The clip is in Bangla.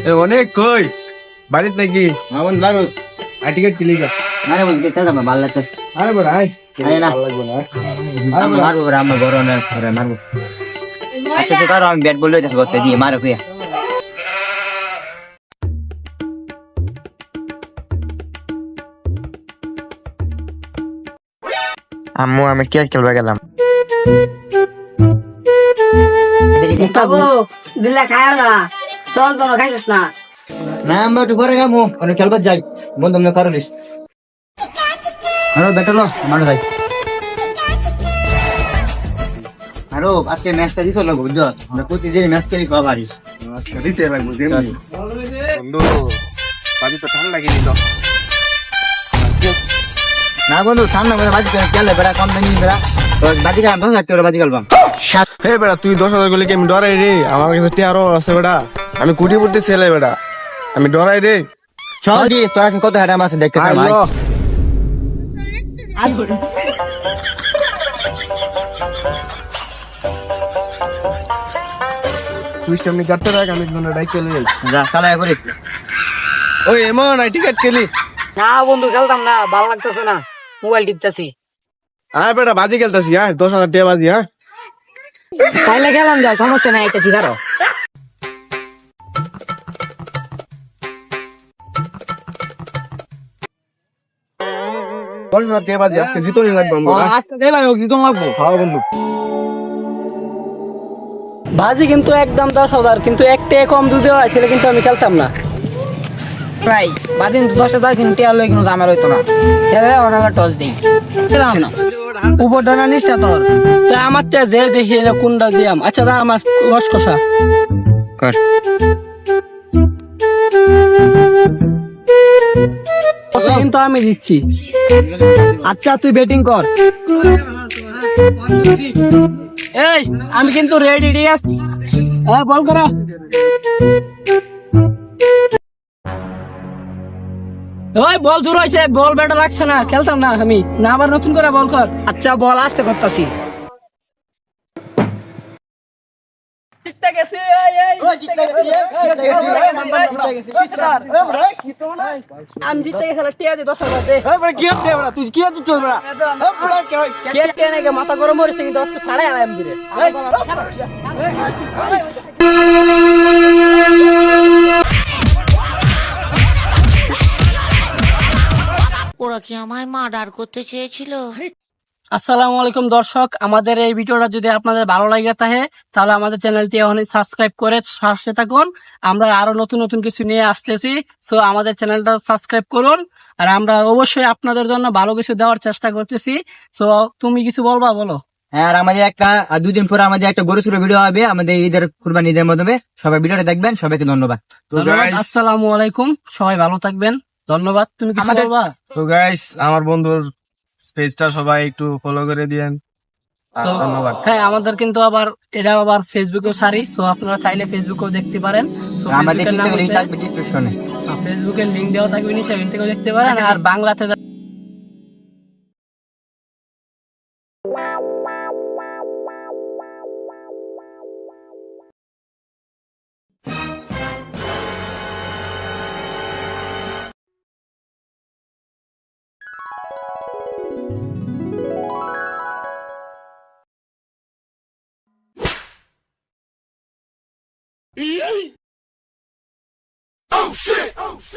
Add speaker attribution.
Speaker 1: অনেক কই বাড়িত নাকি
Speaker 2: আমার বারো
Speaker 1: টিকিট কিলি গা
Speaker 2: আরে বল কে দাম ভালো লাগতেছে
Speaker 1: আরে বড় আয়
Speaker 2: আরে না
Speaker 1: ভালো লাগবে না
Speaker 2: আমি মারবো রে আমার বড় না করে মারবো আচ্ছা তো কারো আমি ব্যাট বললে দেখো করতে দিয়ে মারো কুয়া
Speaker 3: আম্মু আমি ক্রিকেট খেলবে গেলাম।
Speaker 4: বাবু দিল্লা খায় না চল তো খাইছিস না
Speaker 2: না আমরা একটু পরে গামু অনেক খেলবার যাই বন্ধু মনে করো লিস আরো বেটালো মারো যাই আরো আজকে ম্যাচটা দিছো না বুঝছো আমরা প্রতিদিন ম্যাচ খেলি কবা পারিস
Speaker 1: আজকে দিতে লাগবে যেমনি বন্ধু বাড়ি তো ঠান্ডা লাগেনি তো
Speaker 2: না বন্ধু ঠান্ডা করে বাজি করে খেলে বেড়া কম দামি বেড়া বাজি কালাম 10,000 টাকা বাজি কালবাম
Speaker 1: হে বেটা তুই 10,000 গুলি কি আমি ডরাই রে আমার কাছে টিয়ারও আছে বেটা আমি কোটিপতি ছেলে বেটা আমি ডরাই রে
Speaker 2: চল দি তোর কাছে কত হারাম আছে দেখতে ভাই
Speaker 1: আইলো তুই স্টেমনি করতে রাখ আমি কোন ডাইক চলে যাই
Speaker 2: যা চালাই করে
Speaker 1: ওই এমন আই টিকেট খেলি
Speaker 4: না বন্ধু খেলতাম না ভালো লাগতেছে না মোবাইল টিপতেছি
Speaker 1: হ্যাঁ বেটা বাজি খেলতেছি হ্যাঁ 10,000 টাকা বাজি হ্যাঁ
Speaker 4: তাইলে গেলাম যা সমস্যা নাই একটা শিখারো
Speaker 1: বল না টাকা বাজি আজকে জিতোনি লাগবে বন্ধু
Speaker 4: আজকে গেলাই হোক দিতন লাগবো
Speaker 1: হ্যাঁ বন্ধু
Speaker 4: বাজি কিন্তু একদম 10,000 কিন্তু একটা কম যদি হয় তাহলে কিন্তু আমি খেলতাম না প্রায় বাদিন 10,000 কিন্তু টিয়ার লই কিন্তু আমার হইতো না খেলে ওনাকে টস দেই খেলাম না উপর ডানা নিচটা তোর তা আমার তে যে দেখি এটা কোনটা দিয়াম আচ্ছা দা আমার রস কষা
Speaker 2: কর
Speaker 4: কিন্তু আমি দিচ্ছি আচ্ছা তুই ব্যাটিং কর এই আমি কিন্তু রেডি ডিয়াস হ্যাঁ বল করা ওই বল জোর হইছে বল ব্যাটা লাগছে না খেলতাম না আমি না আবার নতুন করে বল কর আচ্ছা বল আসতে করতাছি আমি জিতে গেছি টিয়া দি 10,000 দে
Speaker 1: তুই কি হচ্ছে চল বেটা
Speaker 4: কে কে নাকি মাথা গরম হইছে কিন্তু আজকে ফাড়াই আলাম দিরে
Speaker 5: ওরা কি আমায় মার্ডার করতে চেয়েছিল?
Speaker 4: আসসালামু আলাইকুম দর্শক আমাদের এই ভিডিওটা যদি আপনাদের ভালো লাগে থাকে তাহলে আমাদের চ্যানেলটি এখন সাবস্ক্রাইব করে সাথে থাকুন আমরা আরো নতুন নতুন কিছু নিয়ে আসতেছি সো আমাদের চ্যানেলটা সাবস্ক্রাইব করুন আর আমরা অবশ্যই আপনাদের জন্য ভালো কিছু দেওয়ার চেষ্টা করতেছি সো তুমি কিছু বলবা বলো
Speaker 2: হ্যাঁ আর আমাদের একটা আর 2 দিন পরে আমাদের একটা বড় সড়ো ভিডিও হবে আমাদের ঈদের কুরবানি ঈদের মাধ্যমে সবাই ভিডিওটা দেখবেন সবাইকে ধন্যবাদ
Speaker 4: ধন্যবাদ আসসালামু আলাইকুম সবাই ভালো থাকবেন ধন্যবাদ তুমি কিছু বলবা
Speaker 1: তো গাইস আমার বন্ধুর পেজটা সবাই একটু ফলো করে দিয়েন
Speaker 4: তো
Speaker 1: ধন্যবাদ
Speaker 4: হ্যাঁ আমাদের কিন্তু আবার এটা আবার ফেসবুকেও সারি সো আপনারা চাইলে ফেসবুকেও দেখতে পারেন So,
Speaker 2: আমাদের
Speaker 4: ফেসবুকের নাম
Speaker 2: টিকটক লিংক
Speaker 4: হচ্ছে-
Speaker 2: থাকবে ডেসক্রিপশনে
Speaker 4: ফেসবুকের লিংক দেওয়া থাকবে নিচে সেখান থেকেও দেখতে পারেন আর বাংলাতে
Speaker 6: Oh shit! Oh shit!